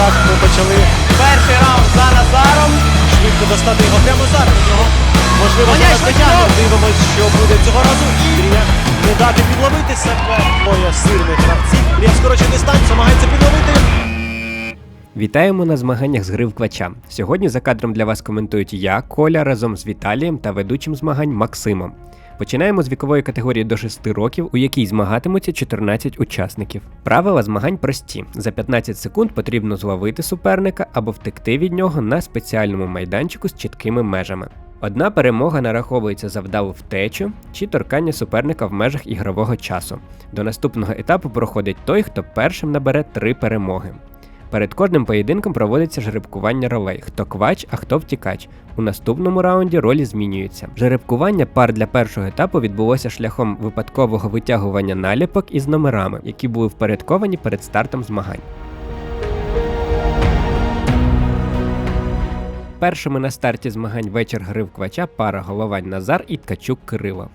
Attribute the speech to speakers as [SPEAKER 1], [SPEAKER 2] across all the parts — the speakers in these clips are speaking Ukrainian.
[SPEAKER 1] так, ми почали
[SPEAKER 2] Перший раунд за Назаром.
[SPEAKER 1] швидко достати його прямо зараз. У нього можливо
[SPEAKER 2] Гоняй,
[SPEAKER 1] зараз
[SPEAKER 2] швидко!
[SPEAKER 1] дотягне. Дивимось, що буде цього разу. Ілля не дати підловити себе. Двоє сильних гравців. Ілля скорочує дистанцію, намагається підловити.
[SPEAKER 3] Вітаємо на змаганнях з гри в квача. Сьогодні за кадром для вас коментують я, Коля, разом з Віталієм та ведучим змагань Максимом. Починаємо з вікової категорії до 6 років, у якій змагатимуться 14 учасників. Правила змагань прості. За 15 секунд потрібно зловити суперника або втекти від нього на спеціальному майданчику з чіткими межами. Одна перемога нараховується за вдалу втечу чи торкання суперника в межах ігрового часу. До наступного етапу проходить той, хто першим набере 3 перемоги. Перед кожним поєдинком проводиться жеребкування ролей, хто квач, а хто втікач. У наступному раунді ролі змінюються. Жеребкування пар для першого етапу відбулося шляхом випадкового витягування наліпок із номерами, які були впорядковані перед стартом змагань. Першими на старті змагань вечір гри в квача пара Головань Назар і Ткачук Кирило.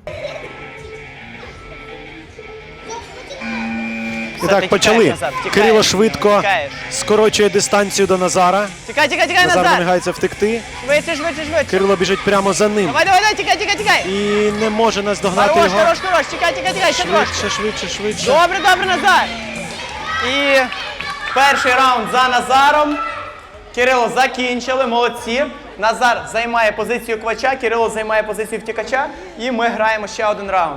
[SPEAKER 1] І так, почали. Кирило швидко скорочує дистанцію до Назара.
[SPEAKER 2] Тікай,
[SPEAKER 1] Назар намагається втекти.
[SPEAKER 2] Швидше.
[SPEAKER 1] Кирило біжить прямо за ним.
[SPEAKER 2] Давай, тікай.
[SPEAKER 1] І не може наздогнати його.
[SPEAKER 2] Хорош, тікай, ще трошки.
[SPEAKER 1] Швидше.
[SPEAKER 2] Добре, Назар. І перший раунд за Назаром. Кирило закінчили, молодці. Назар займає позицію квача, Кирило займає позицію втікача. І ми граємо ще один раунд.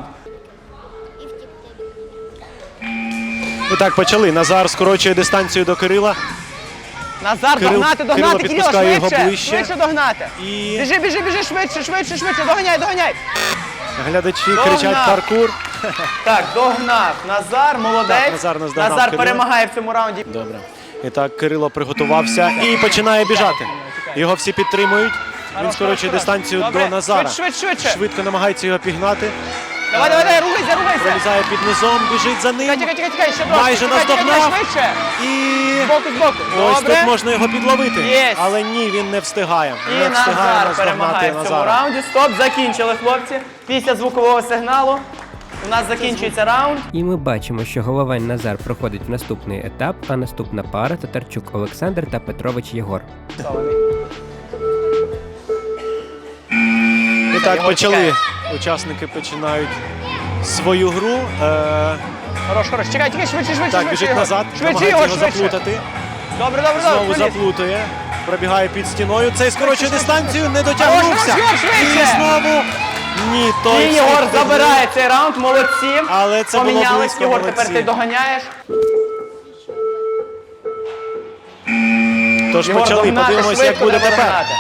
[SPEAKER 1] І так, почали. Назар скорочує дистанцію до Кирила.
[SPEAKER 2] Назар,
[SPEAKER 1] Кирило
[SPEAKER 2] догнати,
[SPEAKER 1] підпускає
[SPEAKER 2] Кирило,
[SPEAKER 1] його ближче.
[SPEAKER 2] швидше догнати.
[SPEAKER 1] І
[SPEAKER 2] Біжи, швидше, доганяй.
[SPEAKER 1] глядачі
[SPEAKER 2] Догнав.
[SPEAKER 1] кричать паркур.
[SPEAKER 2] Так, догнав. Назар, молодець.
[SPEAKER 1] Так, Назар наздогнав
[SPEAKER 2] Назар
[SPEAKER 1] Кирила.
[SPEAKER 2] перемагає в цьому раунді.
[SPEAKER 1] Добре. І так, Кирило приготувався і починає біжати. Його всі підтримують. Він скорочує дистанцію до Назара.
[SPEAKER 2] Швидше.
[SPEAKER 1] Швидко намагається його пігнати.
[SPEAKER 2] Давай, рухайся.
[SPEAKER 1] Пролізає під низом, біжить за ним.
[SPEAKER 2] Тікай, ще трошки.
[SPEAKER 1] Майже наздогнав.
[SPEAKER 2] Швидше.
[SPEAKER 1] І
[SPEAKER 2] Збоку.
[SPEAKER 1] ось
[SPEAKER 2] Добре.
[SPEAKER 1] тут можна його підловити.
[SPEAKER 2] Єсть.
[SPEAKER 1] Але ні, він не встигає.
[SPEAKER 2] І
[SPEAKER 1] Не встигає
[SPEAKER 2] Назар
[SPEAKER 1] наздогнати
[SPEAKER 2] перемагає в цьому
[SPEAKER 1] Назара.
[SPEAKER 2] раунді. Стоп, закінчили, хлопці. Після звукового сигналу у нас закінчується раунд.
[SPEAKER 3] І ми бачимо, що Головань Назар проходить в наступний етап, а наступна пара Татарчук Олександр та Петрович Єгор.
[SPEAKER 1] І так,
[SPEAKER 2] Його
[SPEAKER 1] почали.
[SPEAKER 2] чекає.
[SPEAKER 1] Учасники починають свою гру.
[SPEAKER 2] Хорош. Чекай, швидше.
[SPEAKER 1] Так, біжить
[SPEAKER 2] його.
[SPEAKER 1] назад,
[SPEAKER 2] Швидше
[SPEAKER 1] намагається
[SPEAKER 2] його,
[SPEAKER 1] його
[SPEAKER 2] швидше.
[SPEAKER 1] заплутати.
[SPEAKER 2] Добре.
[SPEAKER 1] Знову
[SPEAKER 2] проліз.
[SPEAKER 1] заплутує. Пробігає під стіною. Цей скорочує дистанцію, не дотягнувся.
[SPEAKER 2] Хорош, швидше.
[SPEAKER 1] І знову ні, той
[SPEAKER 2] І Єгор
[SPEAKER 1] встиг.
[SPEAKER 2] забирає цей раунд, молодці.
[SPEAKER 1] Але це було
[SPEAKER 2] Помінялись,
[SPEAKER 1] близько,
[SPEAKER 2] Єгор,
[SPEAKER 1] молодці.
[SPEAKER 2] тепер ти доганяєш.
[SPEAKER 1] Тож
[SPEAKER 2] Єгор,
[SPEAKER 1] почали,
[SPEAKER 2] догнати,
[SPEAKER 1] подивимося, як
[SPEAKER 2] швидко
[SPEAKER 1] буде
[SPEAKER 2] треба
[SPEAKER 1] тепер.
[SPEAKER 2] догнати.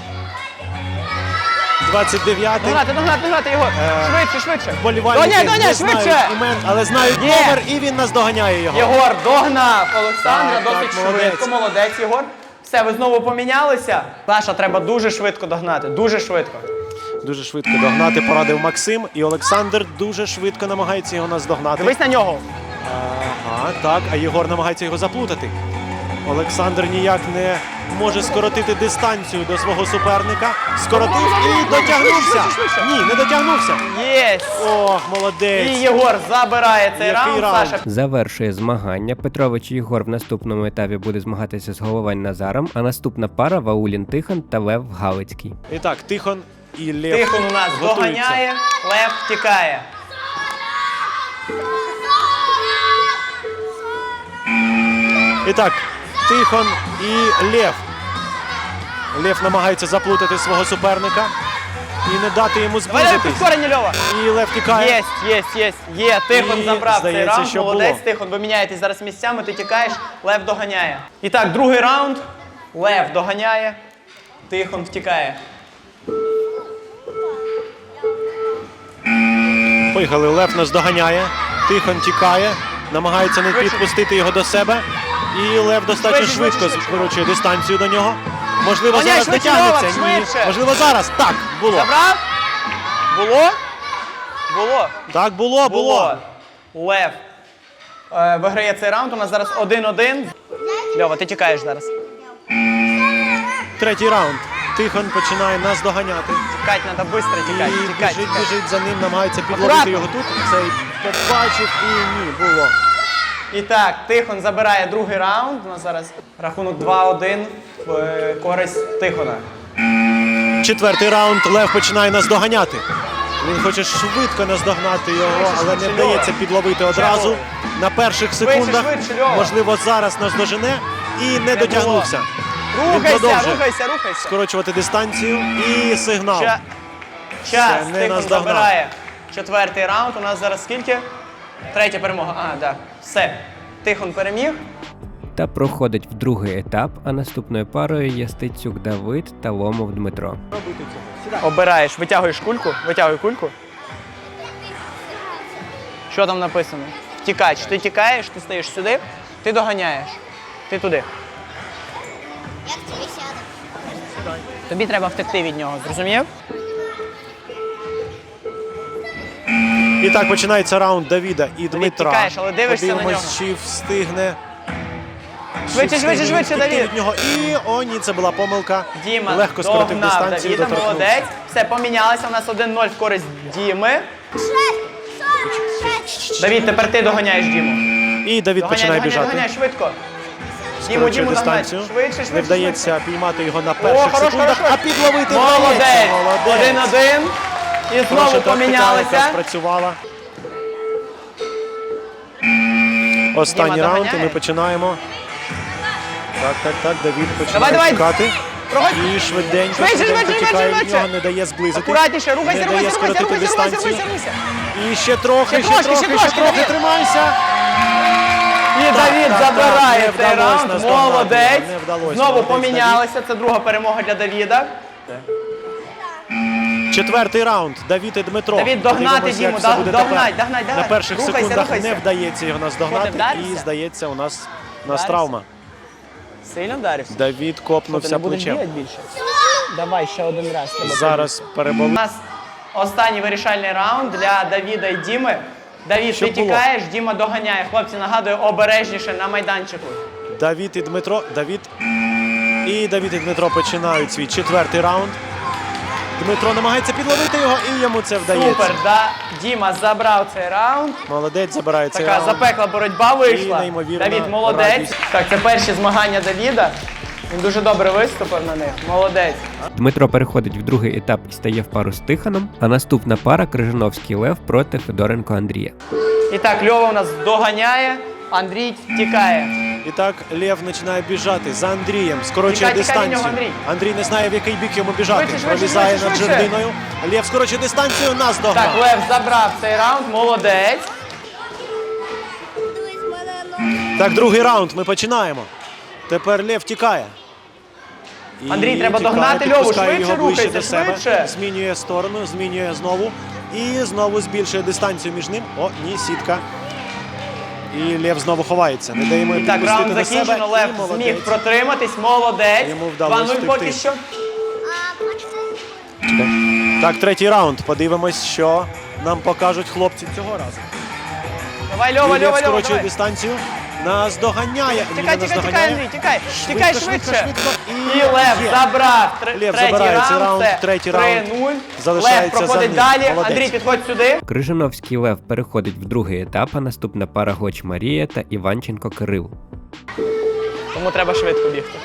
[SPEAKER 1] 29-й.
[SPEAKER 2] Догнати, Єгор. Швидше.
[SPEAKER 1] Вболівальники
[SPEAKER 2] Доганяй,
[SPEAKER 1] не
[SPEAKER 2] швидше.
[SPEAKER 1] знають імен, але знають
[SPEAKER 2] Є.
[SPEAKER 1] номер, і він наздоганяє його.
[SPEAKER 2] Єгор догнав Олександра,
[SPEAKER 1] Так,
[SPEAKER 2] досить
[SPEAKER 1] молодець.
[SPEAKER 2] швидко, молодець, Єгор. Все, ви знову помінялися. Саша, треба дуже швидко догнати, дуже швидко.
[SPEAKER 1] Дуже швидко догнати порадив Максим, і Олександр дуже швидко намагається його наздогнати.
[SPEAKER 2] Дивись на нього.
[SPEAKER 1] Ага, так, а Єгор намагається його заплутати. Олександр ніяк не може скоротити дистанцію до свого суперника. Скоротив і дотягнувся.
[SPEAKER 2] Швидше.
[SPEAKER 1] Ні, не дотягнувся.
[SPEAKER 2] Єсть.
[SPEAKER 1] Ох,
[SPEAKER 2] І
[SPEAKER 1] молодець.
[SPEAKER 2] Єгор забирає цей
[SPEAKER 1] Який
[SPEAKER 2] раунд.
[SPEAKER 1] раунд?
[SPEAKER 2] Саша.
[SPEAKER 3] Завершує змагання. Петрович Єгор в наступному етапі буде змагатися з Головань Назаром, а наступна пара Ваулін Тихон та Лев Галицький.
[SPEAKER 1] І так, Тихон і Лев
[SPEAKER 2] Тихон у нас
[SPEAKER 1] готуються.
[SPEAKER 2] доганяє, Лев втікає.
[SPEAKER 1] І так, Тихон і Лев. Лев намагається заплутати свого суперника і не дати йому
[SPEAKER 2] Давай
[SPEAKER 1] зблизитись.
[SPEAKER 2] підкорення, Льова.
[SPEAKER 1] І Лев тікає.
[SPEAKER 2] Є. Тихон
[SPEAKER 1] І,
[SPEAKER 2] забрав цей
[SPEAKER 1] здається,
[SPEAKER 2] раунд.
[SPEAKER 1] що
[SPEAKER 2] Молодець,
[SPEAKER 1] було.
[SPEAKER 2] Тихон, ви міняєтесь зараз місцями, ти тікаєш, Лев доганяє. І так, другий раунд. Лев доганяє, Тихон втікає.
[SPEAKER 1] Поїхали, Лев нас доганяє. Тихон тікає, намагається не підпустити його до себе. І Лев достатньо швидко скорочує дистанцію до нього. Можливо,
[SPEAKER 2] Доганяй,
[SPEAKER 1] зараз
[SPEAKER 2] швидше,
[SPEAKER 1] дотягнеться.
[SPEAKER 2] Новак,
[SPEAKER 1] Ні.
[SPEAKER 2] швидше.
[SPEAKER 1] Можливо, зараз. Так, було.
[SPEAKER 2] Забрав? Було?
[SPEAKER 1] Так, було.
[SPEAKER 2] Лев виграє цей раунд. У нас зараз 1-1. Льова, ти тікаєш зараз.
[SPEAKER 1] Третій раунд. Тихон починає нас доганяти.
[SPEAKER 2] Тікать, треба швидко тікати.
[SPEAKER 1] І біжить за ним, намагається підловити
[SPEAKER 2] Акуратно.
[SPEAKER 1] його тут. Цей побачив і ні, було.
[SPEAKER 2] І так, Тихон забирає другий раунд. У нас зараз рахунок 2-1 в користь Тихона.
[SPEAKER 1] Четвертий раунд. Лев починає наздоганяти. Він хоче швидко наздогнати його, але не
[SPEAKER 2] швидше,
[SPEAKER 1] вдається
[SPEAKER 2] Льова.
[SPEAKER 1] підловити одразу.
[SPEAKER 2] Льова.
[SPEAKER 1] На перших секундах,
[SPEAKER 2] швидше, Льова.
[SPEAKER 1] можливо, зараз наздожене і не дотягнувся. Він
[SPEAKER 2] Рухайся,
[SPEAKER 1] продовжує
[SPEAKER 2] рухайся.
[SPEAKER 1] скорочувати дистанцію і сигнал.
[SPEAKER 2] Час.
[SPEAKER 1] не
[SPEAKER 2] Тихон
[SPEAKER 1] наздогнав.
[SPEAKER 2] забирає четвертий раунд. У нас зараз скільки? Третя перемога. Так. Все. Тихон переміг.
[SPEAKER 3] Та проходить в другий етап, а наступною парою є Стецюк Давид та Ломов Дмитро.
[SPEAKER 2] Обираєш, витягуєш кульку. Витягуй кульку. Що там написано? Втікач. Ти тікаєш, ти стаєш сюди, ти доганяєш. Ти туди.
[SPEAKER 4] Як тобі сяде?
[SPEAKER 2] Тобі треба втекти від нього, зрозумів?
[SPEAKER 1] І так починається раунд Давіда і Дмитра.
[SPEAKER 2] тікаєш, але дивишся на
[SPEAKER 1] Подивимось,
[SPEAKER 2] нього.
[SPEAKER 1] чи встигне.
[SPEAKER 2] Швидше, Давід.
[SPEAKER 1] Від нього. І, о, ні, це була помилка.
[SPEAKER 2] Діма
[SPEAKER 1] Легко скоротив
[SPEAKER 2] догнав
[SPEAKER 1] дистанцію,
[SPEAKER 2] Давіда,
[SPEAKER 1] доторкнувся.
[SPEAKER 2] молодець. Все, помінялися, у нас 1-0 в користь Діми.
[SPEAKER 4] 46.
[SPEAKER 2] Давід, тепер ти доганяєш Діму.
[SPEAKER 1] І Давід починає біжати.
[SPEAKER 2] Доганяй, швидко.
[SPEAKER 1] Скорочує
[SPEAKER 2] Діму догнать.
[SPEAKER 1] дистанцію.
[SPEAKER 2] Швидше.
[SPEAKER 1] Не вдається піймати його на
[SPEAKER 2] О,
[SPEAKER 1] перших
[SPEAKER 2] хорош.
[SPEAKER 1] секундах, а підловити
[SPEAKER 2] Молодець.
[SPEAKER 1] вдається.
[SPEAKER 2] 1-1. І
[SPEAKER 1] Хороша
[SPEAKER 2] знову
[SPEAKER 1] тактика, яка
[SPEAKER 2] помінялися.
[SPEAKER 1] спрацювала. Останній
[SPEAKER 2] Діма
[SPEAKER 1] раунд, і
[SPEAKER 2] доганяє.
[SPEAKER 1] ми починаємо. Так, Давід починає
[SPEAKER 2] Давай.
[SPEAKER 1] тікати.
[SPEAKER 2] Проходь.
[SPEAKER 1] І швиденько
[SPEAKER 2] Швидше.
[SPEAKER 1] тікає від нього, не дає зблизити.
[SPEAKER 2] Акуратніше, рухайся,
[SPEAKER 1] Не дає скоротити дистанцію. І ще трохи,
[SPEAKER 2] Ще трошки, Давід.
[SPEAKER 1] тримайся.
[SPEAKER 2] І Давід
[SPEAKER 1] так,
[SPEAKER 2] забирає
[SPEAKER 1] не
[SPEAKER 2] цей
[SPEAKER 1] вдалося
[SPEAKER 2] раунд.
[SPEAKER 1] наздогнати,
[SPEAKER 2] Молодець.
[SPEAKER 1] не вдалося.
[SPEAKER 2] Знову
[SPEAKER 1] Молодець,
[SPEAKER 2] помінялися. Це друга перемога для Давіда.
[SPEAKER 1] Четвертий раунд. Давід і Дмитро.
[SPEAKER 2] Давід, догнати
[SPEAKER 1] Подивимося, як
[SPEAKER 2] Діму,
[SPEAKER 1] все буде
[SPEAKER 2] догнать,
[SPEAKER 1] тепер.
[SPEAKER 2] догнать.
[SPEAKER 1] На перших
[SPEAKER 2] Рухайся,
[SPEAKER 1] секундах
[SPEAKER 2] рухайся.
[SPEAKER 1] не вдається його наздогнати.
[SPEAKER 2] Що, ти вдарився?
[SPEAKER 1] І, здається, у нас
[SPEAKER 2] Вдарився?
[SPEAKER 1] травма.
[SPEAKER 2] Сильно вдарився?
[SPEAKER 1] Давід
[SPEAKER 2] Ти
[SPEAKER 1] копнувся
[SPEAKER 2] не будеш
[SPEAKER 1] плечем.
[SPEAKER 2] бігати більше? Давай ще один раз.
[SPEAKER 1] Зараз
[SPEAKER 2] У
[SPEAKER 1] переболить.
[SPEAKER 2] нас останній вирішальний раунд для Давіда і Діми. Давід,
[SPEAKER 1] Що
[SPEAKER 2] ти
[SPEAKER 1] було?
[SPEAKER 2] тікаєш, Діма доганяє. Хлопці, нагадую, обережніше на майданчику.
[SPEAKER 1] Давід і Дмитро. Давід і Дмитро починають свій четвертий раунд. Дмитро намагається підловити його, і йому це вдається.
[SPEAKER 2] Супер, да. Діма забрав цей раунд.
[SPEAKER 1] Молодець, забирає цей
[SPEAKER 2] Така
[SPEAKER 1] раунд.
[SPEAKER 2] запекла боротьба вийшла.
[SPEAKER 1] І неймовірна
[SPEAKER 2] Давід молодець.
[SPEAKER 1] радість.
[SPEAKER 2] Так, це перші змагання Давіда. Він дуже добре виступив на них. Молодець.
[SPEAKER 3] Дмитро переходить в другий етап і стає в пару з Тихоном, а наступна пара Крижановський Лев проти Федоренко Андрія.
[SPEAKER 2] І так, Льова у нас доганяє, Андрій тікає.
[SPEAKER 1] І так Лев починає біжати за Андрієм, скорочує
[SPEAKER 2] Тікай від
[SPEAKER 1] дистанцію.
[SPEAKER 2] нього, Андрій.
[SPEAKER 1] Андрій не знає, в який бік йому біжати.
[SPEAKER 2] Швидше,
[SPEAKER 1] Пролізає над
[SPEAKER 2] швидше.
[SPEAKER 1] жердиною. Лев скорочує дистанцію, нас
[SPEAKER 2] Так,
[SPEAKER 1] догнав.
[SPEAKER 2] Лев забрав цей раунд, молодець.
[SPEAKER 4] Дивись, в мене ноги.
[SPEAKER 1] Так, другий раунд, ми починаємо. Тепер Лев тікає. І
[SPEAKER 2] Андрій, треба
[SPEAKER 1] тікає,
[SPEAKER 2] догнати Льову,
[SPEAKER 1] підпускає
[SPEAKER 2] швидше
[SPEAKER 1] його ближче
[SPEAKER 2] рухайся,
[SPEAKER 1] до себе.
[SPEAKER 2] швидше.
[SPEAKER 1] Змінює сторону, змінює знову. І знову збільшує дистанцію між ним. О, ні, сітка. І Лев знову ховається. Не даємо йому
[SPEAKER 2] Так,
[SPEAKER 1] підпустити
[SPEAKER 2] раунд
[SPEAKER 1] до себе.
[SPEAKER 2] закінчено,
[SPEAKER 1] І
[SPEAKER 2] Лев
[SPEAKER 1] молодець.
[SPEAKER 2] зміг протриматись, молодець.
[SPEAKER 1] Йому вдалося
[SPEAKER 2] 2-0 поки
[SPEAKER 1] втекти.
[SPEAKER 2] що.
[SPEAKER 4] А, бачите?
[SPEAKER 1] Так, третій раунд. Подивимось, що нам покажуть хлопці цього разу.
[SPEAKER 2] Давай,
[SPEAKER 1] І
[SPEAKER 2] Льова,
[SPEAKER 1] Лев
[SPEAKER 2] Льова, Льова,
[SPEAKER 1] скорочує
[SPEAKER 2] давай.
[SPEAKER 1] дистанцію. Нас доганяє.
[SPEAKER 2] Тікай, Андрій, тікай. Тікай швидше.
[SPEAKER 1] швидко.
[SPEAKER 2] І Лев
[SPEAKER 1] є.
[SPEAKER 2] забрав
[SPEAKER 1] Лев
[SPEAKER 2] третій
[SPEAKER 1] забирає цей
[SPEAKER 2] раунд,
[SPEAKER 1] раунд,
[SPEAKER 2] це
[SPEAKER 1] третій раунд
[SPEAKER 2] 3-0.
[SPEAKER 1] залишається
[SPEAKER 2] Лев
[SPEAKER 1] за
[SPEAKER 2] проходить
[SPEAKER 1] ним.
[SPEAKER 2] далі.
[SPEAKER 1] Молодець.
[SPEAKER 2] Андрій, підходь сюди.
[SPEAKER 3] Крижановський Лев переходить в другий етап, а наступна пара Гоч Марія та Іванченко Кирил.
[SPEAKER 2] Тому треба швидко бігти.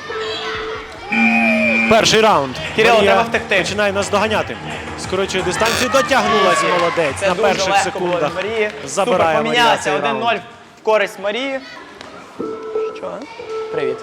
[SPEAKER 1] Перший раунд.
[SPEAKER 2] Кирило,
[SPEAKER 1] Марія
[SPEAKER 2] треба втекти.
[SPEAKER 1] починає нас доганяти. Скорочує дистанцію, дотягнулась молодець.
[SPEAKER 2] Це
[SPEAKER 1] На
[SPEAKER 2] дуже
[SPEAKER 1] перших
[SPEAKER 2] легко було
[SPEAKER 1] секундах
[SPEAKER 2] від Марії.
[SPEAKER 1] забирає
[SPEAKER 2] Супер,
[SPEAKER 1] Марія
[SPEAKER 2] помінялися.
[SPEAKER 1] цей раунд.
[SPEAKER 2] 1-0 в користь Марії. Що? Привіт.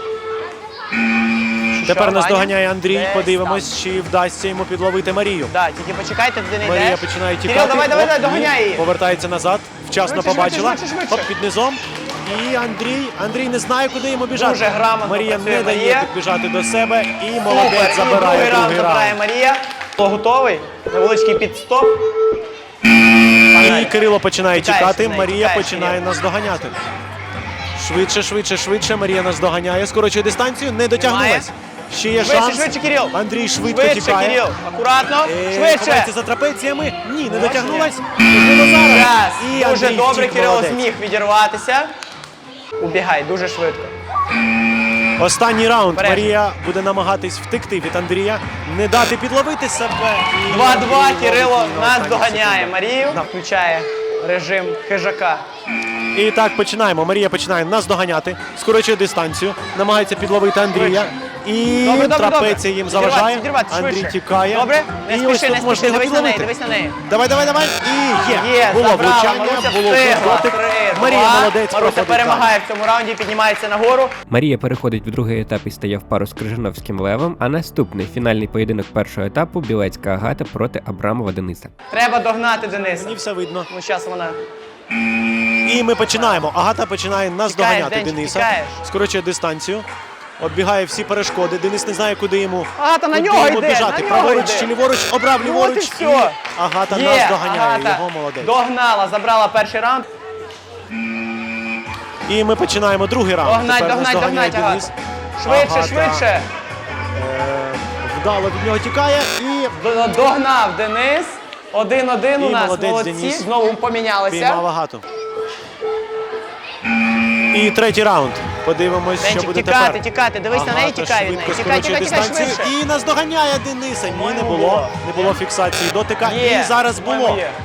[SPEAKER 1] Тепер
[SPEAKER 2] Що,
[SPEAKER 1] нас
[SPEAKER 2] Ваня?
[SPEAKER 1] доганяє Андрій.
[SPEAKER 2] Десь
[SPEAKER 1] Подивимось, чи вдасться йому підловити Марію.
[SPEAKER 2] Да, тільки почекайте, туди не йдеш.
[SPEAKER 1] Марія починає тікати.
[SPEAKER 2] Кирил, давай,
[SPEAKER 1] Оп, ні.
[SPEAKER 2] доганяй її.
[SPEAKER 1] Повертається назад. Вчасно
[SPEAKER 2] Швидше,
[SPEAKER 1] побачила.
[SPEAKER 2] швидше.
[SPEAKER 1] Оп, під низом. І Андрій не знає, куди йому біжати.
[SPEAKER 2] Дуже грамотно
[SPEAKER 1] Марія
[SPEAKER 2] працює
[SPEAKER 1] не дає
[SPEAKER 2] Марія.
[SPEAKER 1] підбіжати до себе. І
[SPEAKER 2] Супер.
[SPEAKER 1] молодець
[SPEAKER 2] І
[SPEAKER 1] забирає другий
[SPEAKER 2] забирає
[SPEAKER 1] раунд.
[SPEAKER 2] Марія. Хто готовий? Невеличкий підстоп.
[SPEAKER 1] І
[SPEAKER 2] Погнали.
[SPEAKER 1] Кирило починає
[SPEAKER 2] Тікаєш
[SPEAKER 1] тікати,
[SPEAKER 2] від неї,
[SPEAKER 1] Марія
[SPEAKER 2] тікаєш
[SPEAKER 1] починає
[SPEAKER 2] від неї.
[SPEAKER 1] нас доганяти. Швидше. Марія нас доганяє, скорочує дистанцію, не дотягнулась. Ще є шанс.
[SPEAKER 2] Швидше, Кирил.
[SPEAKER 1] Андрій швидко
[SPEAKER 2] Швидше,
[SPEAKER 1] тікає.
[SPEAKER 2] Кирил. Акуратно.
[SPEAKER 1] Ховається
[SPEAKER 2] Швидше.
[SPEAKER 1] за трапеціями. Ні, не дотягнулась. Можливо, зараз.
[SPEAKER 2] Час.
[SPEAKER 1] І
[SPEAKER 2] Дуже
[SPEAKER 1] Андрій
[SPEAKER 2] добре,
[SPEAKER 1] втік,
[SPEAKER 2] Кирило
[SPEAKER 1] молодець.
[SPEAKER 2] зміг відірватися. Убігай, дуже швидко.
[SPEAKER 1] Останній раунд.
[SPEAKER 2] Бережно.
[SPEAKER 1] Марія буде намагатись втекти від Андрія, не дати підловити себе. І
[SPEAKER 2] 2-2,
[SPEAKER 1] Андрій
[SPEAKER 2] Кирило
[SPEAKER 1] ловить її на
[SPEAKER 2] нас
[SPEAKER 1] останніх
[SPEAKER 2] доганяє
[SPEAKER 1] секундах.
[SPEAKER 2] Марію.
[SPEAKER 1] Да.
[SPEAKER 2] Включає режим хижака.
[SPEAKER 1] І так, починаємо. Марія починає наздоганяти, скорочує дистанцію, намагається підловити Андрія. І
[SPEAKER 2] Добре, добре,
[SPEAKER 1] трапеція їм
[SPEAKER 2] Відірватися,
[SPEAKER 1] заважає.
[SPEAKER 2] відірватися,
[SPEAKER 1] Андрій
[SPEAKER 2] швидше.
[SPEAKER 1] тікає.
[SPEAKER 2] Добре, не
[SPEAKER 1] І ось
[SPEAKER 2] спіши,
[SPEAKER 1] тут
[SPEAKER 2] не спіши,
[SPEAKER 1] можливо
[SPEAKER 2] дивись на неї,
[SPEAKER 1] підловити.
[SPEAKER 2] дивись на неї.
[SPEAKER 1] Давай, давай, давай. І є. Було
[SPEAKER 2] забрала,
[SPEAKER 1] влучання,
[SPEAKER 2] Маруся
[SPEAKER 1] було
[SPEAKER 2] встигла.
[SPEAKER 1] дотик.
[SPEAKER 2] 3-2.
[SPEAKER 1] Марія молодець,
[SPEAKER 2] Маруся
[SPEAKER 1] проходить
[SPEAKER 2] перемагає в цьому раунді, піднімається нагору.
[SPEAKER 3] Марія переходить в другий етап і стає в пару з Крижановським Левом, а наступний фінальний поєдинок першого етапу Білецька Агата проти Абрамова Дениса.
[SPEAKER 2] Треба догнати Дениса.
[SPEAKER 1] Мені все видно.
[SPEAKER 2] Ну, зараз вона.
[SPEAKER 1] І ми починаємо. Агата починає наздоганяти
[SPEAKER 2] Денчик,
[SPEAKER 1] Дениса.
[SPEAKER 2] тікаєш.
[SPEAKER 1] Скорочує дистанцію. Оббігає всі перешкоди. Денис не знає, куди йому,
[SPEAKER 2] Агата, на
[SPEAKER 1] куди
[SPEAKER 2] нього
[SPEAKER 1] йому
[SPEAKER 2] йде,
[SPEAKER 1] біжати.
[SPEAKER 2] на нього
[SPEAKER 1] Праворуч
[SPEAKER 2] йде.
[SPEAKER 1] чи ліворуч, обрав
[SPEAKER 2] Ну,
[SPEAKER 1] ліворуч.
[SPEAKER 2] от і все.
[SPEAKER 1] Агата
[SPEAKER 2] Є,
[SPEAKER 1] наздоганяє
[SPEAKER 2] Агата
[SPEAKER 1] його, молодець.
[SPEAKER 2] догнала, забрала перший раунд.
[SPEAKER 1] І ми починаємо другий раунд.
[SPEAKER 2] Догнать,
[SPEAKER 1] Тепер
[SPEAKER 2] догнать,
[SPEAKER 1] наздоганяє
[SPEAKER 2] догнать,
[SPEAKER 1] Денис.
[SPEAKER 2] Агата. Швидше,
[SPEAKER 1] Агата,
[SPEAKER 2] швидше.
[SPEAKER 1] Вдало від нього тікає і
[SPEAKER 2] Догнав Денис. 1-1 у
[SPEAKER 1] І
[SPEAKER 2] нас.
[SPEAKER 1] молодець
[SPEAKER 2] Молодці.
[SPEAKER 1] Денис.
[SPEAKER 2] Знову помінялися.
[SPEAKER 1] піймав Агату. І третій раунд. Подивимось, що
[SPEAKER 2] Денчик,
[SPEAKER 1] буде
[SPEAKER 2] тікати,
[SPEAKER 1] тепер.
[SPEAKER 2] тікати. Дивись на неї,
[SPEAKER 1] Агата
[SPEAKER 2] тікай від неї.
[SPEAKER 1] швидко
[SPEAKER 2] Тікай,
[SPEAKER 1] скорочує
[SPEAKER 2] тікай, тікай,
[SPEAKER 1] дистанцію
[SPEAKER 2] швидше.
[SPEAKER 1] і наздоганяє Дениса. Ні, не було. Не було фіксації дотика.
[SPEAKER 2] Є,
[SPEAKER 1] І зараз
[SPEAKER 2] по-моєму,
[SPEAKER 1] було.
[SPEAKER 2] є.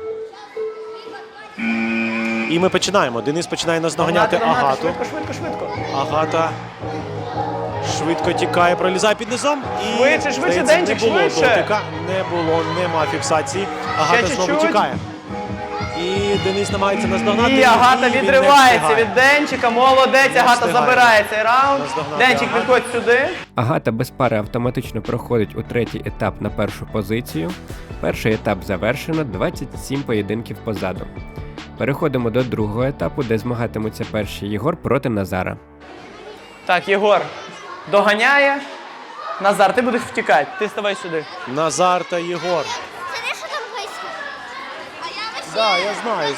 [SPEAKER 1] І ми починаємо. Денис починає наздоганяти
[SPEAKER 2] Догнати,
[SPEAKER 1] Агату.
[SPEAKER 2] швидко, швидко, швидко.
[SPEAKER 1] Агата швидко тікає, пролізає під низом. І,
[SPEAKER 2] Швидше, швидше,
[SPEAKER 1] здається,
[SPEAKER 2] Денчик,
[SPEAKER 1] не було
[SPEAKER 2] швидше.
[SPEAKER 1] дотика. Не було, нема фіксації. Агата знову
[SPEAKER 2] чуть-чуть.
[SPEAKER 1] тікає. І Денис намагається наздогнати.
[SPEAKER 2] І Агата
[SPEAKER 1] він не
[SPEAKER 2] відривається
[SPEAKER 1] встигає.
[SPEAKER 2] від Денчика. Молодець, Агата
[SPEAKER 1] встигає.
[SPEAKER 2] забирає цей раунд.
[SPEAKER 1] Наздогнати
[SPEAKER 2] Денчик,
[SPEAKER 1] Агату.
[SPEAKER 2] підходь сюди.
[SPEAKER 3] Агата без пари автоматично проходить у третій етап на першу позицію. Перший етап завершено, 27 поєдинків позаду. Переходимо до другого етапу, де змагатимуться перші Єгор проти Назара.
[SPEAKER 2] Так, Єгор доганяє. Назар, ти будеш втікати. Ти ставай сюди.
[SPEAKER 1] Назар та Єгор.
[SPEAKER 4] Це що там происходит? А я вообще...
[SPEAKER 1] Да, я знаю.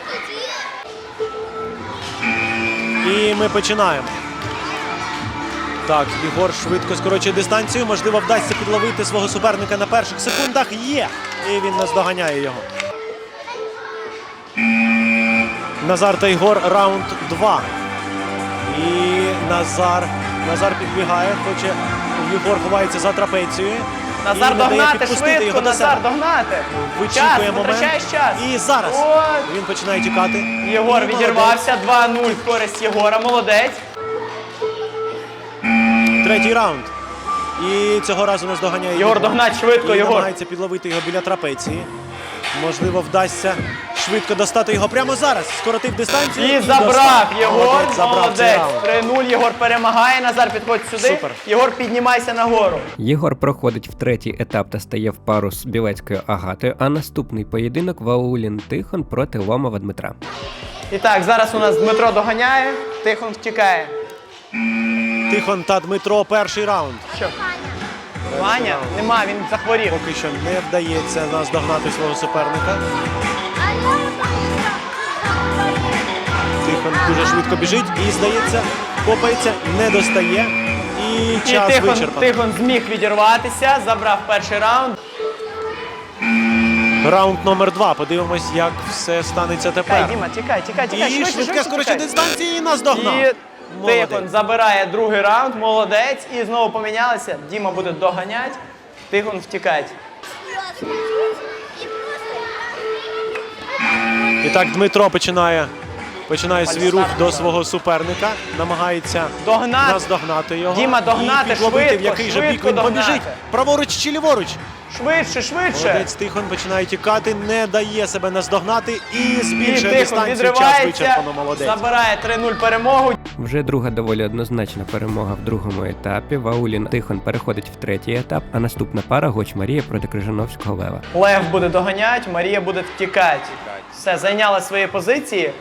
[SPEAKER 1] І ми починаємо. Так, Ігор швидко скорочує дистанцію. Можливо, вдасться підловити свого суперника на перших секундах. Є! І він наздоганяє його. Назар та Ігор, раунд 2. І Назар підбігає, хоче. Єгор ховається за трапецією.
[SPEAKER 2] Назар
[SPEAKER 1] І не дає
[SPEAKER 2] догнати
[SPEAKER 1] підпустити
[SPEAKER 2] швидко,
[SPEAKER 1] його до
[SPEAKER 2] Назар,
[SPEAKER 1] себе.
[SPEAKER 2] догнати.
[SPEAKER 1] Вичікує
[SPEAKER 2] Час,
[SPEAKER 1] момент.
[SPEAKER 2] витрачаєш час.
[SPEAKER 1] І зараз
[SPEAKER 2] От.
[SPEAKER 1] він починає тікати.
[SPEAKER 2] Єгор
[SPEAKER 1] І
[SPEAKER 2] відірвався, 2-0 в користь Єгора, молодець.
[SPEAKER 1] Третій раунд. І цього разу нас доганяє
[SPEAKER 2] Єгор, догнать швидко,
[SPEAKER 1] і
[SPEAKER 2] Єгор.
[SPEAKER 1] намагається підловити його біля трапеції. Можливо, вдасться швидко достати його прямо зараз. Скоротив дистанцію.
[SPEAKER 2] І
[SPEAKER 1] достав.
[SPEAKER 2] забрав Єгор,
[SPEAKER 1] Молодець, забрав цей
[SPEAKER 2] молодець.
[SPEAKER 1] раунд.
[SPEAKER 2] 3-0, Єгор перемагає, Назар підходь сюди.
[SPEAKER 1] Супер.
[SPEAKER 2] Єгор, піднімайся нагору.
[SPEAKER 3] Єгор проходить в третій етап та стає в пару з Білецькою Агатою, а наступний поєдинок Ваулін Тихон проти Ломова Дмитра.
[SPEAKER 2] І так, зараз у нас Дмитро доганяє, Тихон втікає.
[SPEAKER 1] Тихон та Дмитро, перший раунд.
[SPEAKER 2] Що? Ваня? Нема, він захворів.
[SPEAKER 1] Поки що не вдається нас догнати свого суперника. Тихон дуже швидко біжить і, здається, копається, не достає. І
[SPEAKER 2] І
[SPEAKER 1] час вичерпано.
[SPEAKER 2] Тихон зміг відірватися, забрав перший раунд.
[SPEAKER 1] Раунд номер 2. Подивимось, як все станеться
[SPEAKER 2] Тікай,
[SPEAKER 1] тепер.
[SPEAKER 2] Діма, тікай,
[SPEAKER 1] І
[SPEAKER 2] швидше,
[SPEAKER 1] швидке скорочення
[SPEAKER 2] тікай.
[SPEAKER 1] дистанції і нас догнав.
[SPEAKER 2] І
[SPEAKER 1] Молодець.
[SPEAKER 2] Тихон забирає другий раунд, молодець. І знову помінялися. Діма буде доганяти, Тихон втікати.
[SPEAKER 1] І так Дмитро починає свій рух до свого суперника, намагається
[SPEAKER 2] Догнати.
[SPEAKER 1] наздогнати його.
[SPEAKER 2] Діма, догнати,
[SPEAKER 1] і підловити,
[SPEAKER 2] швидко,
[SPEAKER 1] в який же бік
[SPEAKER 2] швидко
[SPEAKER 1] він
[SPEAKER 2] догнати.
[SPEAKER 1] побіжить. Праворуч чи ліворуч.
[SPEAKER 2] Швидше, швидше.
[SPEAKER 1] Молодець, Тихон починає тікати, не дає себе наздогнати і
[SPEAKER 2] І
[SPEAKER 1] збільшує
[SPEAKER 2] Тихон
[SPEAKER 1] дистанцію. Час
[SPEAKER 2] відривається,
[SPEAKER 1] вичерпано, молодець.
[SPEAKER 2] забирає 3-0 перемогу.
[SPEAKER 3] Вже друга доволі однозначна перемога в другому етапі. Ваулін Тихон переходить в третій етап, а наступна пара Гоч Марія проти Крижановського Лева.
[SPEAKER 2] Лев буде доганяти, Марія буде втікати. Все, зайняла свої позиції.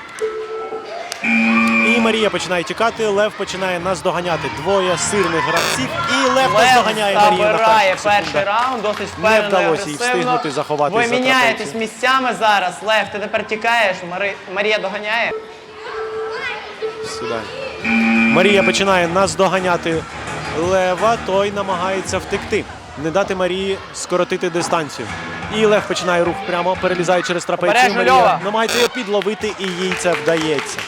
[SPEAKER 1] І Марія починає тікати, Лев починає наздоганяти. Двоє сильних гравців, і Лев
[SPEAKER 2] Лев
[SPEAKER 1] наздоганяє Марію на
[SPEAKER 2] забирає
[SPEAKER 1] перших
[SPEAKER 2] перший
[SPEAKER 1] секундах.
[SPEAKER 2] раунд, досить впевнено і
[SPEAKER 1] вдалося їй
[SPEAKER 2] агресивно.
[SPEAKER 1] встигнути заховатись
[SPEAKER 2] Ви
[SPEAKER 1] за
[SPEAKER 2] міняєтесь
[SPEAKER 1] трапецію.
[SPEAKER 2] місцями зараз. Лев, ти тепер тікаєш, Марія доганяє.
[SPEAKER 1] Сідай. Марія починає наздоганяти Лева, той намагається втекти. Не дати Марії скоротити дистанцію. І Лев починає рух прямо, перелізає через трапецію.
[SPEAKER 2] Обережно, Льова.
[SPEAKER 1] Марія намагається його підловити, і їй це вдається.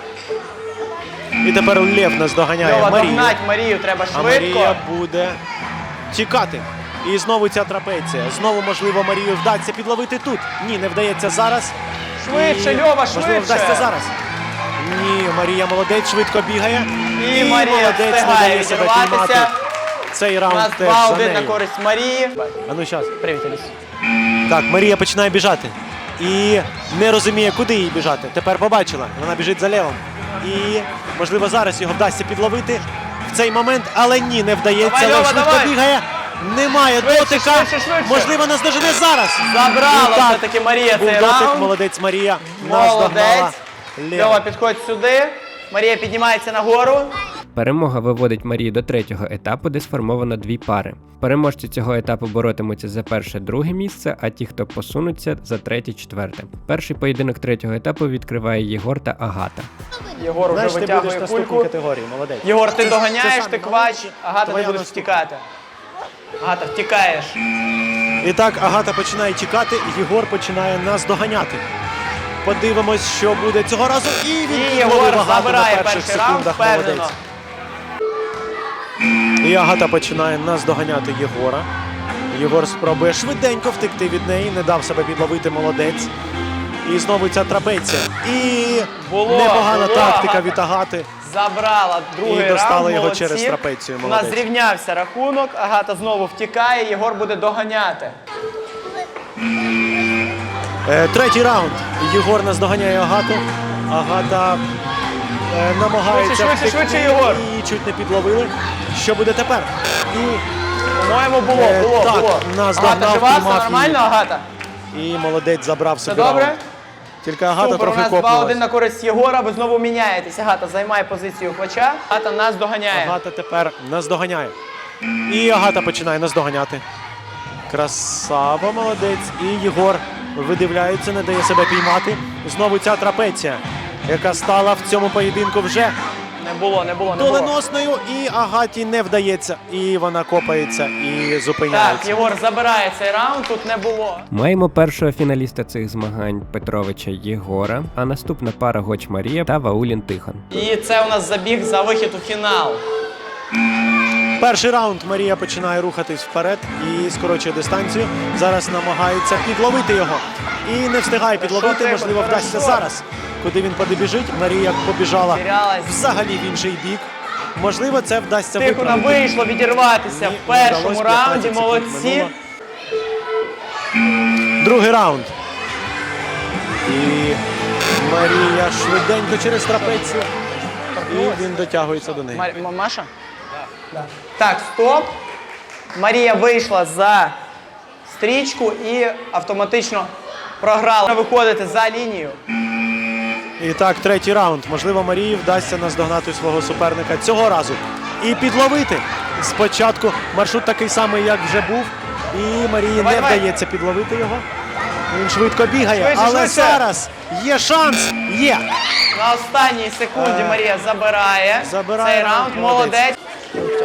[SPEAKER 1] І тепер Лев наздоганяє
[SPEAKER 2] Льова,
[SPEAKER 1] Марію.
[SPEAKER 2] догнать Марію треба
[SPEAKER 1] А
[SPEAKER 2] швидко.
[SPEAKER 1] Марія буде тікати. І знову ця трапеція. Знову, можливо, Марію вдасться підловити тут. Ні, не вдається зараз.
[SPEAKER 2] Швидше,
[SPEAKER 1] І,
[SPEAKER 2] Льова,
[SPEAKER 1] можливо,
[SPEAKER 2] швидше.
[SPEAKER 1] вдасться зараз. Ні, Марія молодець, швидко бігає.
[SPEAKER 2] І Марія
[SPEAKER 1] молодець, не
[SPEAKER 2] встигає
[SPEAKER 1] дає себе
[SPEAKER 2] відірватися.
[SPEAKER 1] піймати. Цей
[SPEAKER 2] У
[SPEAKER 1] раунд
[SPEAKER 2] нас
[SPEAKER 1] теж за
[SPEAKER 2] 2-1 на
[SPEAKER 1] нею.
[SPEAKER 2] користь Марії.
[SPEAKER 1] А ну щас.
[SPEAKER 2] Привіт, Аліс.
[SPEAKER 1] Так, Марія починає біжати. І не розуміє, куди їй біжати. Тепер побачила. Вона біжить за Левом. І, можливо, зараз його вдасться підловити в цей момент, але ні, не вдається.
[SPEAKER 2] Давай,
[SPEAKER 1] Лев
[SPEAKER 2] Льова,
[SPEAKER 1] швидко
[SPEAKER 2] давай.
[SPEAKER 1] бігає. Немає
[SPEAKER 2] Швидше,
[SPEAKER 1] дотика.
[SPEAKER 2] швидше.
[SPEAKER 1] Можливо, наздожене зараз.
[SPEAKER 2] Забрала
[SPEAKER 1] І так,
[SPEAKER 2] все-таки Марія
[SPEAKER 1] був
[SPEAKER 2] цей
[SPEAKER 1] дотик,
[SPEAKER 2] раунд.
[SPEAKER 1] молодець Марія. Наздогнала
[SPEAKER 2] Молодець.
[SPEAKER 1] Лева.
[SPEAKER 2] Льова, підходь сюди. Марія піднімається нагору.
[SPEAKER 3] Перемога виводить Марію до третього етапу, де сформовано дві пари. Переможці цього етапу боротимуться за перше-друге місце, а ті, хто посунуться, за третє-четверте. Перший поєдинок третього етапу відкриває Єгор та Агата.
[SPEAKER 2] Єгор вже
[SPEAKER 1] Знаєш, ти будеш в
[SPEAKER 2] витягує
[SPEAKER 1] наступній
[SPEAKER 2] кульку.
[SPEAKER 1] категорії, молодець.
[SPEAKER 2] Єгор, ти
[SPEAKER 1] Це
[SPEAKER 2] доганяєш,
[SPEAKER 1] самі
[SPEAKER 2] ти квач.
[SPEAKER 1] молодші.
[SPEAKER 2] Агата, ти
[SPEAKER 1] Твоя
[SPEAKER 2] будеш
[SPEAKER 1] наступна.
[SPEAKER 2] втікати. Агата, втікаєш.
[SPEAKER 1] І так, Агата починає тікати, Єгор починає нас доганяти. Подивимось, що буде цього разу. І він
[SPEAKER 2] І
[SPEAKER 1] підловив
[SPEAKER 2] Єгор
[SPEAKER 1] Агату
[SPEAKER 2] забирає
[SPEAKER 1] на перших
[SPEAKER 2] перший раунд,
[SPEAKER 1] секундах.
[SPEAKER 2] впевнено.
[SPEAKER 1] Молодець. І Агата починає нас доганяти Єгора. Єгор спробує швиденько втекти від неї, не дав себе підловити, молодець. І знову ця трапеція. І
[SPEAKER 2] Було,
[SPEAKER 1] непогана
[SPEAKER 2] було,
[SPEAKER 1] тактика
[SPEAKER 2] Агата.
[SPEAKER 1] від Агати.
[SPEAKER 2] Забрала другий
[SPEAKER 1] І достала
[SPEAKER 2] раунд,
[SPEAKER 1] його
[SPEAKER 2] молодці.
[SPEAKER 1] через трапецію,
[SPEAKER 2] У нас
[SPEAKER 1] молодець.
[SPEAKER 2] зрівнявся рахунок, Агата знову втікає, Єгор буде доганяти.
[SPEAKER 1] Третій раунд. Єгор нас доганяє Агату. Агата намагається
[SPEAKER 2] Швидше,
[SPEAKER 1] втекти.
[SPEAKER 2] швидше, Єгор.
[SPEAKER 1] І чуть не підловили. Що буде тепер? І
[SPEAKER 2] По-моєму, було.
[SPEAKER 1] так, нас
[SPEAKER 2] Агата
[SPEAKER 1] догнав,
[SPEAKER 2] жива, все
[SPEAKER 1] піймав
[SPEAKER 2] нормально,
[SPEAKER 1] її.
[SPEAKER 2] Агата?
[SPEAKER 1] І молодець забрав
[SPEAKER 2] Все
[SPEAKER 1] собі
[SPEAKER 2] добре?
[SPEAKER 1] раунд. Тільки Агата
[SPEAKER 2] Супер, у
[SPEAKER 1] трохи
[SPEAKER 2] нас 2-1
[SPEAKER 1] копнулась.
[SPEAKER 2] на користь Єгора, ви знову міняєтесь. Агата займає позицію квача, Агата нас доганяє.
[SPEAKER 1] Агата тепер нас доганяє. І Агата починає нас доганяти. Красава, молодець. І Єгор видивляється, не дає себе піймати. Знову ця трапеція, яка стала в цьому поєдинку вже
[SPEAKER 2] Не було.
[SPEAKER 1] доленосною. І Агаті не вдається. І вона копається і
[SPEAKER 2] Так,
[SPEAKER 1] зупиняється.
[SPEAKER 2] Єгор забирає цей раунд, тут не було.
[SPEAKER 3] Маємо першого фіналіста цих змагань Петровича Єгора, а наступна пара Гоч Марія та Ваулін Тихон.
[SPEAKER 2] І це у нас забіг за вихід у фінал.
[SPEAKER 1] Перший раунд Марія починає рухатись вперед і скорочує дистанцію. Зараз намагається підловити його. І не встигає підловити,
[SPEAKER 2] Тихо,
[SPEAKER 1] можливо,
[SPEAKER 2] хорошо.
[SPEAKER 1] вдасться зараз. Куди він побіжить, Марія побіжала
[SPEAKER 2] Терялась.
[SPEAKER 1] взагалі в інший бік. Можливо, це вдасться
[SPEAKER 2] Тихо нам
[SPEAKER 1] виправити.
[SPEAKER 2] вийшло відірватися
[SPEAKER 1] Ні,
[SPEAKER 2] в
[SPEAKER 1] не
[SPEAKER 2] першому
[SPEAKER 1] вдалося,
[SPEAKER 2] раунді,
[SPEAKER 1] 15 секунд
[SPEAKER 2] молодці.
[SPEAKER 1] минуло. Другий раунд. І Марія швиденько через трапецію. І він дотягується до неї.
[SPEAKER 2] Маша? Так, стоп. Марія вийшла за стрічку і автоматично програла. Виходити за лінію.
[SPEAKER 1] І так, третій раунд. Можливо, Марії вдасться наздогнати свого суперника цього разу. І підловити. Спочатку маршрут такий самий, як вже був. І Марії
[SPEAKER 2] Давай,
[SPEAKER 1] не
[SPEAKER 2] давай.
[SPEAKER 1] вдається підловити його. Він швидко бігає.
[SPEAKER 2] Швидше,
[SPEAKER 1] але
[SPEAKER 2] швидше.
[SPEAKER 1] зараз є шанс. Є.
[SPEAKER 2] На останній секунді Марія забирає
[SPEAKER 1] Забирає
[SPEAKER 2] цей
[SPEAKER 1] раунд,
[SPEAKER 2] раунд.
[SPEAKER 1] молодець.
[SPEAKER 2] Молодець.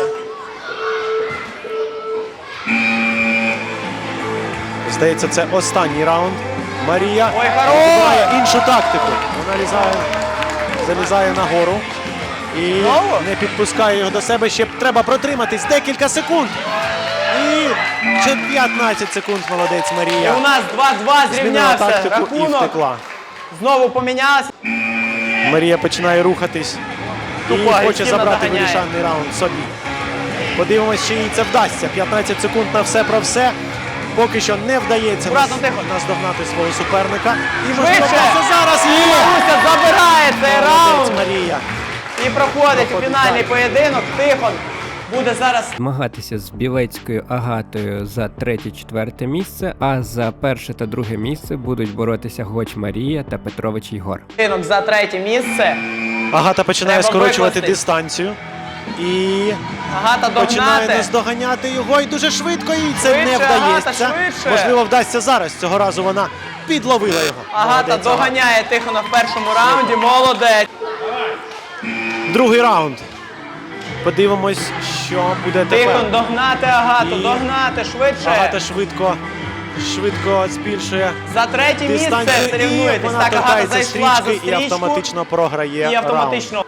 [SPEAKER 1] Здається, це останній раунд. Марія
[SPEAKER 2] Ой, хорош!
[SPEAKER 1] обирає іншу тактику. Вона залізає нагору і
[SPEAKER 2] Знову?
[SPEAKER 1] не підпускає його до себе. Ще треба протриматись декілька секунд. І 15 секунд, молодець
[SPEAKER 2] І
[SPEAKER 1] Марія.
[SPEAKER 2] у нас 2-2
[SPEAKER 1] Змінила
[SPEAKER 2] зрівнявся
[SPEAKER 1] тактику і
[SPEAKER 2] рахунок.
[SPEAKER 1] втекла.
[SPEAKER 2] Знову помінялася.
[SPEAKER 1] Марія починає рухатись і
[SPEAKER 2] Тупо
[SPEAKER 1] хоче
[SPEAKER 2] агресивно
[SPEAKER 1] забрати
[SPEAKER 2] доганяє.
[SPEAKER 1] вирішальний раунд собі. Подивимось, чи їй це вдасться. 15 секунд на все про все. Поки що не вдається
[SPEAKER 2] Акуратно, тихо.
[SPEAKER 1] наздогнати свого суперника. І можливо
[SPEAKER 2] Швидше!
[SPEAKER 1] вдасться зараз.
[SPEAKER 2] І
[SPEAKER 1] Є!
[SPEAKER 2] Маруся забирає цей
[SPEAKER 1] Молодець
[SPEAKER 2] раунд.
[SPEAKER 1] Марія.
[SPEAKER 2] І проходить
[SPEAKER 1] Проходить
[SPEAKER 2] фінальний
[SPEAKER 1] далі.
[SPEAKER 2] поєдинок. Тихон буде зараз.
[SPEAKER 3] Змагатися з Білецькою Агатою за третє-четверте місце, а за перше та друге місце будуть боротися Гоч Марія та Петрович Єгор.
[SPEAKER 2] Поєдинок за третє місце.
[SPEAKER 1] Агата починає
[SPEAKER 2] Треба
[SPEAKER 1] скорочувати
[SPEAKER 2] викласти.
[SPEAKER 1] дистанцію. І
[SPEAKER 2] Агата
[SPEAKER 1] починає
[SPEAKER 2] догнати.
[SPEAKER 1] наздоганяти його. І дуже швидко їй це
[SPEAKER 2] Швидше,
[SPEAKER 1] не вдається.
[SPEAKER 2] Агата, швидше.
[SPEAKER 1] Можливо, вдасться зараз. Цього разу вона підловила його.
[SPEAKER 2] Агата
[SPEAKER 1] Молодець,
[SPEAKER 2] доганяє Тихона в першому раунді. Молодець.
[SPEAKER 1] Другий раунд. Подивимось, що буде
[SPEAKER 2] Тихон
[SPEAKER 1] тепер.
[SPEAKER 2] догнати Агату,
[SPEAKER 1] І
[SPEAKER 2] догнати швидше.
[SPEAKER 1] Агата швидко збільшує
[SPEAKER 2] За третє місце
[SPEAKER 1] дистанцію. І
[SPEAKER 2] соревнуєтесь.
[SPEAKER 1] вона
[SPEAKER 2] Так, Агата
[SPEAKER 1] торкається
[SPEAKER 2] зайшла за
[SPEAKER 1] стрічки і
[SPEAKER 2] стрічку.
[SPEAKER 1] автоматично програє
[SPEAKER 2] І
[SPEAKER 1] раунд.
[SPEAKER 2] автоматично.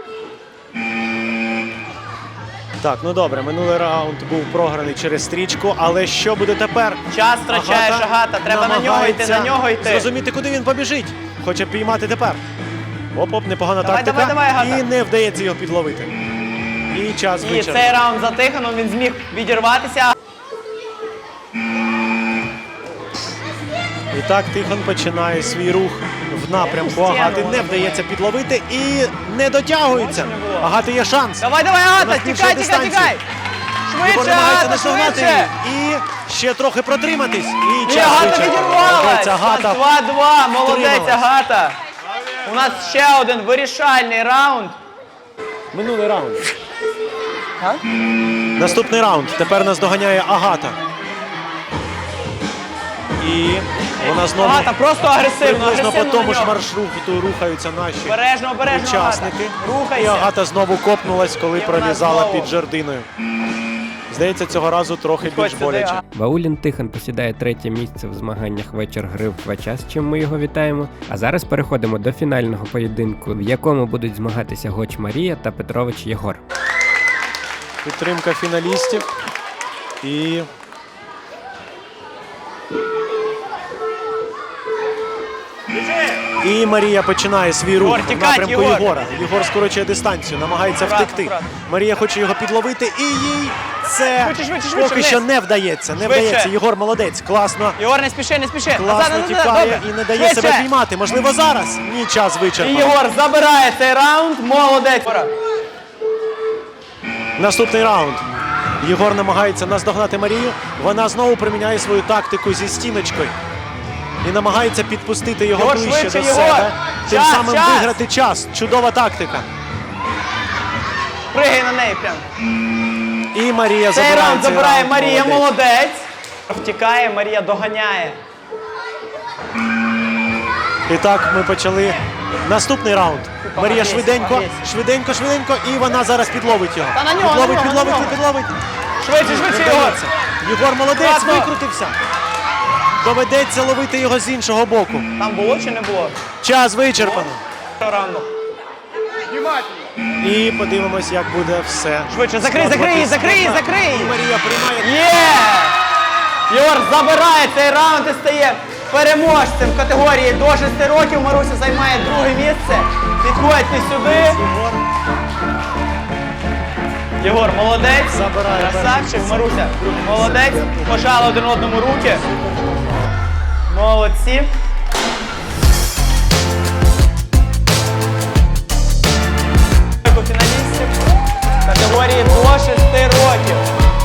[SPEAKER 1] Так, ну добре, минулий раунд був програний через стрічку, але що буде тепер?
[SPEAKER 2] Час втрачаєш, Агата. Треба на нього йти,
[SPEAKER 1] намагається
[SPEAKER 2] на нього йти.
[SPEAKER 1] зрозуміти, куди він побіжить. Хоче піймати тепер. Оп-оп, непогана
[SPEAKER 2] Давай,
[SPEAKER 1] тактика.
[SPEAKER 2] давай, Агата.
[SPEAKER 1] І не вдається його підловити. І час
[SPEAKER 2] І
[SPEAKER 1] вичерпано.
[SPEAKER 2] цей раунд за Тихоном, він зміг відірватися.
[SPEAKER 1] І так Тихон починає свій рух в напрямку
[SPEAKER 2] Стіну
[SPEAKER 1] Агати.
[SPEAKER 2] вона
[SPEAKER 1] Не вдається підловити і не дотягується.
[SPEAKER 2] Бачу, не було.
[SPEAKER 1] Агати є шанс.
[SPEAKER 2] Давай, давай, Агата,
[SPEAKER 1] Вона
[SPEAKER 2] тікай,
[SPEAKER 1] збільшує
[SPEAKER 2] тікай,
[SPEAKER 1] дистанцію.
[SPEAKER 2] тікай!
[SPEAKER 1] Єгор
[SPEAKER 2] Швидше,
[SPEAKER 1] намагається
[SPEAKER 2] Агата,
[SPEAKER 1] наздогнати
[SPEAKER 2] швидше!
[SPEAKER 1] її. І ще трохи протриматись. І
[SPEAKER 2] І
[SPEAKER 1] час
[SPEAKER 2] Агата
[SPEAKER 1] вичерпано.
[SPEAKER 2] відірвалась!
[SPEAKER 1] Молодець, Агата.
[SPEAKER 2] 2-2, молодець,
[SPEAKER 1] втрималась.
[SPEAKER 2] Агата! У нас ще один вирішальний раунд.
[SPEAKER 1] Минулий раунд. Наступний раунд. Тепер нас доганяє Агата. І вона знову
[SPEAKER 2] Агата просто агресивно,
[SPEAKER 1] приблизно по
[SPEAKER 2] агресивно
[SPEAKER 1] тому
[SPEAKER 2] на
[SPEAKER 1] ж
[SPEAKER 2] нього.
[SPEAKER 1] маршруту рухаються наші
[SPEAKER 2] Обережно, обережно,
[SPEAKER 1] учасники.
[SPEAKER 2] Агата.
[SPEAKER 1] І
[SPEAKER 2] Рухайся.
[SPEAKER 1] Агата знову копнулась, коли
[SPEAKER 2] І вона
[SPEAKER 1] пролізала
[SPEAKER 2] знову.
[SPEAKER 1] під жердиною. Здається, цього разу трохи
[SPEAKER 2] Підходь
[SPEAKER 1] більш
[SPEAKER 2] сюди,
[SPEAKER 1] боляче.
[SPEAKER 2] Агата.
[SPEAKER 3] Ваулін Тихон посідає третє місце в змаганнях вечір гри в квача, з чим ми його вітаємо. А зараз переходимо до фінального поєдинку, в якому будуть змагатися Гоч Марія та Петрович Єгор.
[SPEAKER 1] Підтримка фіналістів. І Марія починає свій рух
[SPEAKER 2] Єгор,
[SPEAKER 1] в
[SPEAKER 2] тікать,
[SPEAKER 1] напрямку
[SPEAKER 2] Єгор.
[SPEAKER 1] Єгора. Єгор скорочує дистанцію, намагається
[SPEAKER 2] Аккуратно,
[SPEAKER 1] втекти.
[SPEAKER 2] аккуратно.
[SPEAKER 1] Марія хоче його підловити, і їй це
[SPEAKER 2] Швидше, швидше,
[SPEAKER 1] поки
[SPEAKER 2] швидше,
[SPEAKER 1] що
[SPEAKER 2] вниз.
[SPEAKER 1] не вдається. Не
[SPEAKER 2] Швидше.
[SPEAKER 1] вдається. Єгор молодець, класно.
[SPEAKER 2] Єгор, не спіши, не спіши.
[SPEAKER 1] Класно
[SPEAKER 2] Назад, назад,
[SPEAKER 1] тікає
[SPEAKER 2] добре.
[SPEAKER 1] і не дає
[SPEAKER 2] Швидше.
[SPEAKER 1] себе піймати. Можливо, зараз. Ні, час
[SPEAKER 2] І
[SPEAKER 1] вичерпано.
[SPEAKER 2] Єгор забирає цей раунд, молодець.
[SPEAKER 1] Наступний раунд. Єгор намагається наздогнати Марію. Вона знову приміняє свою тактику зі стіночкою. І намагається підпустити його
[SPEAKER 2] Єгор,
[SPEAKER 1] ближче
[SPEAKER 2] швидше,
[SPEAKER 1] до
[SPEAKER 2] Єгор!
[SPEAKER 1] себе. Тим
[SPEAKER 2] Час,
[SPEAKER 1] самим
[SPEAKER 2] час!
[SPEAKER 1] виграти час. Чудова тактика.
[SPEAKER 2] Пригай на неї прям.
[SPEAKER 1] І Марія
[SPEAKER 2] Цей
[SPEAKER 1] забирає
[SPEAKER 2] раунд
[SPEAKER 1] цей
[SPEAKER 2] забирає
[SPEAKER 1] раунд.
[SPEAKER 2] Марія,
[SPEAKER 1] Молодець.
[SPEAKER 2] молодець. Втікає, Марія доганяє.
[SPEAKER 1] І так ми почали наступний раунд. Марія
[SPEAKER 2] Погрейся,
[SPEAKER 1] швиденько,
[SPEAKER 2] погрейся.
[SPEAKER 1] швиденько, швиденько. І вона зараз підловить його.
[SPEAKER 2] Та на нього,
[SPEAKER 1] Підловить,
[SPEAKER 2] на нього,
[SPEAKER 1] підловить,
[SPEAKER 2] на нього.
[SPEAKER 1] підловить.
[SPEAKER 2] Швидше,
[SPEAKER 1] Не
[SPEAKER 2] швидше, Єгор.
[SPEAKER 1] вдається. Єгор молодець,
[SPEAKER 2] Аккуратно.
[SPEAKER 1] викрутився. Доведеться ловити його з іншого боку.
[SPEAKER 2] Там було чи не було?
[SPEAKER 1] Час вичерпано.
[SPEAKER 2] Раунду.
[SPEAKER 1] І подивимось, як буде все.
[SPEAKER 2] Швидше, закрий, закрий її, закрий її, закрий її.
[SPEAKER 1] І Марія приймає.
[SPEAKER 2] Є! Єгор забирає цей раунд і стає переможцем в категорії до 6 років. Маруся займає друге місце. Підходьте сюди.
[SPEAKER 1] Єгор
[SPEAKER 2] Єгор, молодець.
[SPEAKER 1] Забирає
[SPEAKER 2] Красавчик,
[SPEAKER 1] перше
[SPEAKER 2] Маруся.
[SPEAKER 1] друге місце.
[SPEAKER 2] Молодець. Пожали один одному руки. Молодці. Фіналістів категорії до 6 років.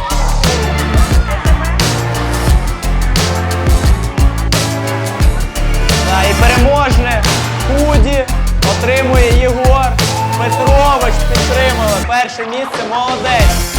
[SPEAKER 2] І переможне худі отримує Єгор Петрович. Підтримали перше місце. Молодець.